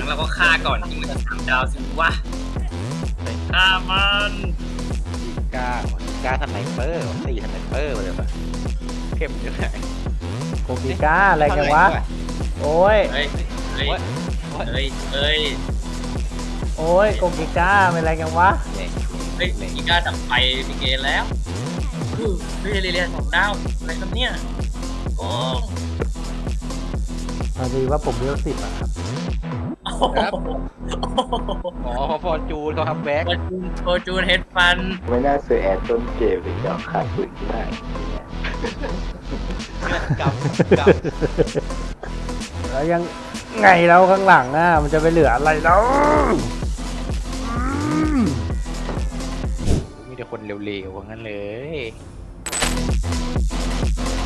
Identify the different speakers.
Speaker 1: เราก็ฆ่าก่อนที่มันจะ3 ดาวสิวะฆ่ามัน
Speaker 2: กล้าสไนเปอร์ตีสไนเปอร์ไปเลยปะเข้มยังไง
Speaker 3: โกกิก้าอะไรกันวะโอ้ย
Speaker 1: เฮ้ยเฮ้ยเฮ้ยเฮ้ย
Speaker 3: โอ้ยโกกิก้าเป็นอะไรกันวะ
Speaker 1: เฮ้ยอีกาดับไฟมีเกณฑ์แล้วเฮ้ยเรียน2 ดาวอะไรครับเนี่ยโอ้
Speaker 3: พอดีว่าผมเลี้ยว10อะครับ
Speaker 2: ครับอ๋อพอจูนเขาทำแบ็ก
Speaker 1: โคจูนเฮดฟัน
Speaker 4: ไม่น่าซื้อแอดต้นเกมเลยจะขายปืนได้
Speaker 2: กับ
Speaker 3: แล้วยังไงแล้วข้างหลังอ่ะมันจะไปเหลืออะไรแล้ว
Speaker 2: มีแต่คนเร็วๆว่างั้นเลย